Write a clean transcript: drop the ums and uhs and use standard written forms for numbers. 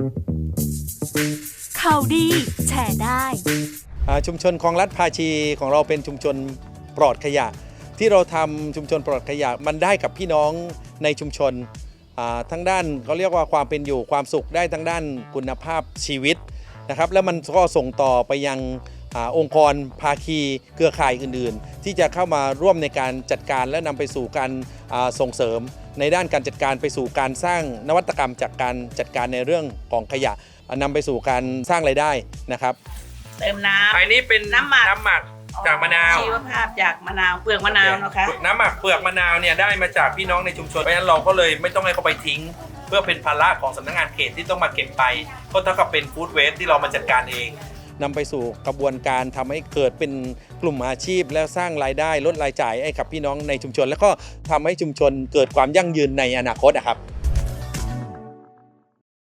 ข่าวดีแชร์ได้ชุมชนคลองลัดภาชีของเราเป็นชุมชนปลอดขยะที่เราทำชุมชนปลอดขยะมันได้กับพี่น้องในชุมชนทั้งด้านเขาเรียกว่าความเป็นอยู่ความสุขได้ทั้งด้านคุณภาพชีวิตนะครับแล้วมันก็ส่งต่อไปยังองค์กรภาคีเครือข่ายอื่นๆที่จะเข้ามาร่วมในการจัดการและนำไปสู่การส่งเสริมในด้านการจัดการไปสู่การสร้างนวัตกรรมจากการจัดการในเรื่องของขยะนำไปสู่การสร้างรายได้นะครับเติมน้ำอันนี้เป็นน้ำหมักจากมะนาวชีวภาพจากมะนาวเปลือกมะนาวนะคะน้ำหมักเปลือกมะนาวเนี่ยได้มาจากพี่น้องในชุมชนเพราะฉะนั้นเราก็เลยไม่ต้องให้เขาไปทิ้งเพื่อเป็นภาระของสำนักงานเขตที่ต้องมาเก็บไปก็เท่ากับเป็นฟู้ดเวสต์ที่เรามาจัดการเองนำไปสู่กระบวนการทำให้เกิดเป็นกลุ่มอาชีพแล้วสร้างรายได้ลดรายจ่ายให้กับพี่น้องในชุมชนแล้วก็ทำให้ชุมชนเกิดความยั่งยืนในอนาคตนะครับ